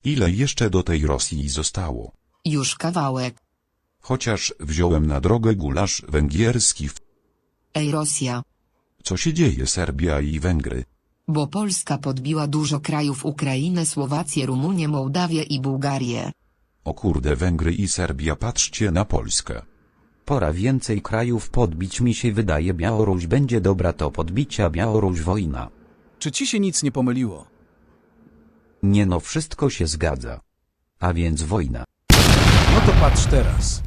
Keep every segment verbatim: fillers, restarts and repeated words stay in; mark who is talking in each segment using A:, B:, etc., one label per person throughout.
A: Ile jeszcze do tej Rosji zostało?
B: Już kawałek.
A: Chociaż wziąłem na drogę gulasz węgierski.
B: Ej Rosja.
A: Co się dzieje Serbia i Węgry?
B: Bo Polska podbiła dużo krajów: Ukrainę, Słowację, Rumunię, Mołdawię i Bułgarię.
A: O kurde, Węgry i Serbia, patrzcie na Polskę.
C: Pora więcej krajów podbić, mi się wydaje. Białoruś będzie dobra do podbicia. Białoruś wojna.
D: Czy ci się nic nie pomyliło?
C: Nie no, wszystko się zgadza. A więc wojna.
D: No to patrz teraz.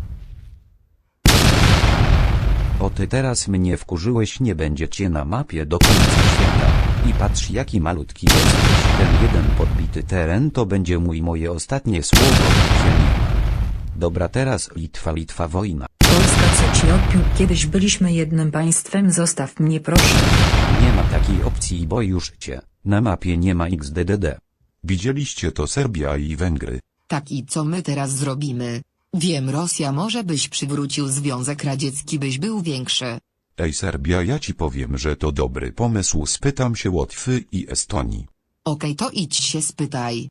C: O ty teraz mnie wkurzyłeś, nie będzie cię na mapie do końca świata. I patrz jaki malutki jesteś. Ten jeden podbity teren to będzie mój moje ostatnie słowo. Ziemi. Dobra, teraz Litwa, Litwa wojna.
E: Polska, co ci odpił? Kiedyś byliśmy jednym państwem, zostaw mnie proszę.
C: Nie ma takiej opcji, bo już cię na mapie nie ma X D D D.
A: Widzieliście to Serbia i Węgry?
B: Tak, i co my teraz zrobimy? Wiem, Rosja, może byś przywrócił Związek Radziecki, byś był większy.
A: Ej Serbia, ja ci powiem, że to dobry pomysł, spytam się Łotwy i Estonii.
B: Okej, to idź się spytaj.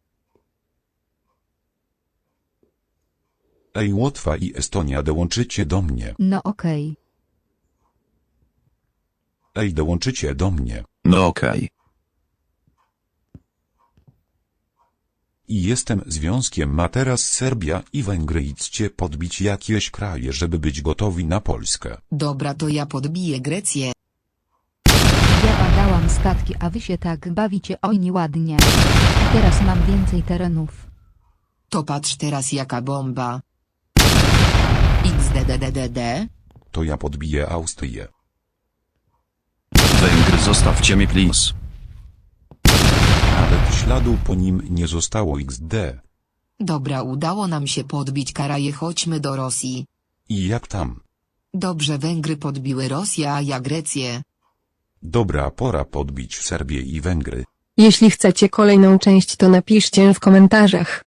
A: Ej Łotwa i Estonia, dołączycie do mnie.
F: No okej.
A: Ej, dołączycie do mnie.
G: No okej.
A: I jestem związkiem, ma teraz Serbia i Węgry, idźcie podbić jakieś kraje, żeby być gotowi na Polskę.
B: Dobra, to ja podbiję Grecję.
F: Ja badałam statki, a wy się tak bawicie, oj nieładnie. I teraz mam więcej terenów.
B: To patrz teraz jaka bomba. X D D D D D.
A: To ja podbiję Austrię.
G: Węgry, zostawcie mnie please.
A: Nawet śladu po nim nie zostało X D.
B: Dobra, udało nam się podbić Karaje, chodźmy do Rosji.
A: I jak tam?
B: Dobrze, Węgry podbiły Rosję, a ja Grecję.
A: Dobra, pora podbić Serbię i Węgry.
H: Jeśli chcecie kolejną część, to napiszcie w komentarzach.